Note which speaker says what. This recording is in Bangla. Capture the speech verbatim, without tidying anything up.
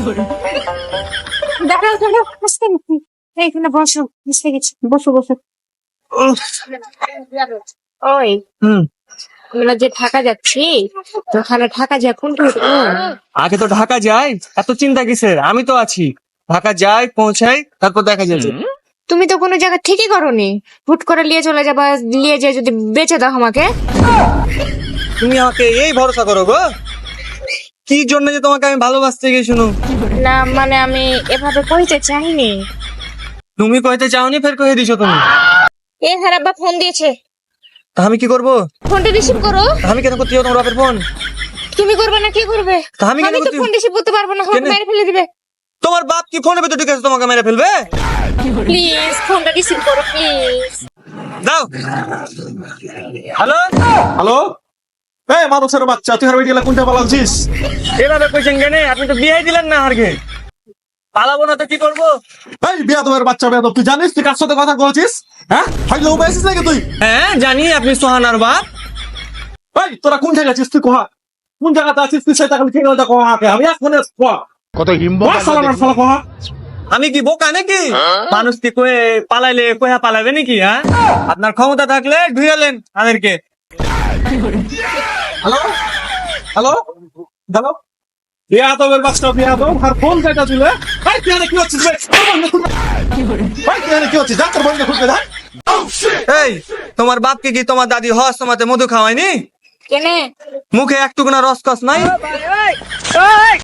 Speaker 1: দাঁড়াও দাঁড়াও, আসতে নাকি? এইখানে বসো, মিশে গেছি, বসো বসো। ওই
Speaker 2: হুম
Speaker 1: আমরা যে ঢাকা যাচ্ছি, তো ওখানে ঢাকা যা কোনটা উঠবো?
Speaker 2: আগে তো ঢাকা যাই, এত চিন্তা কিসের? আমি তো আছি। ঢাকা যাই, পৌঁছাই, তারপর দেখা যাবে।
Speaker 1: তুমি তো কোনো জায়গা ঠিকই করোনি, হুট করে নিয়ে চলে যাবা, নিয়ে যেয়ে যদি বেঁচে দাও আমাকে।
Speaker 2: তুমি আমাকে এই ভরসা করো গো? কি জন্য যে তোমাকে আমি ভালোবাসতে গিয়ে শুনো?
Speaker 1: না মানে আমি এভাবে কইতে চাইনি।
Speaker 2: তুমি কইতে চাওনি, ফের কয়ে দিছো তুমি।
Speaker 1: এ হারাব্বা ফোন দিয়েছে,
Speaker 2: তা আমি কি করবো?
Speaker 1: ফোনটা রিসিভ করো।
Speaker 2: তা আমি কেন করতে যাবো তোমার বাপের ফোন?
Speaker 1: তুমি করবে না কি করবে?
Speaker 2: তা আমি কেন
Speaker 1: আমি তো
Speaker 2: করতে-
Speaker 1: ফোন রিসিভ করতে পারবো না, ফোন
Speaker 2: কেন?
Speaker 1: মেরে ফেলে দিবে।
Speaker 2: তোমার বাপ কি ফোনে ভেতর ঢুকে আছে, তোমাকে মেরে ফেলবে?
Speaker 1: প্লিজ ফোনটা রিসিভ করো প্লিজ।
Speaker 2: দাও। হ্যালো,
Speaker 3: হ্যালো, এই মানুষের বাচ্চা, তুই হারবে গেলে কোনটা পালাচ্ছিস?
Speaker 2: এভাবে কইছেন কেন? আপনি তো বিয়ে দিলেন না হারকে। পালাবো না তো কি করবো?
Speaker 3: এই বিয়াদবের বাচ্চা বেয়াদব, তুই জানিস তুই কার সাথে কথা বলছিস? হ্যাঁ, হাইলো বেসিস নাকি তুই?
Speaker 2: হ্যাঁ জানি, আপনি সোহানার বাপ।
Speaker 3: এই তোরা কোন জায়গায় আছিস? তুই কোহা কোন জায়গাতে আছিস? তুই সেটা খালি খেয়ে কোহা আগে, আমি এক ফোনে কোহা
Speaker 4: কত হিম্ব
Speaker 3: কোহা সালামার সালা কোহা।
Speaker 2: আমি কি বোকা নাকি? মানুষ কি কয়ে পালাইলে কয়া পালাবে নাকি? হ্যাঁ, আপনার ক্ষমতা থাকলে ধুইয়ালেন আমাদেরকে।
Speaker 3: হ্যালো হ্যালো হ্যালো, বিয়াদবের বাচ্চা বিয়াদব, আর ফোন কেটে ছিল। এই তুই এখানে কি হচ্ছিস বে? তোর বন্ধু খুলবে। এই তুই এখানে কি হচ্ছিস? যা তোর বন্ধু খুলবে, যা।
Speaker 2: এই তোমার বাপকে কি তোমার দাদি হস তোমাতে মধু খাওয়ায়নি?
Speaker 1: কেনে
Speaker 2: মুখে একটুকুনা রসকস নাই?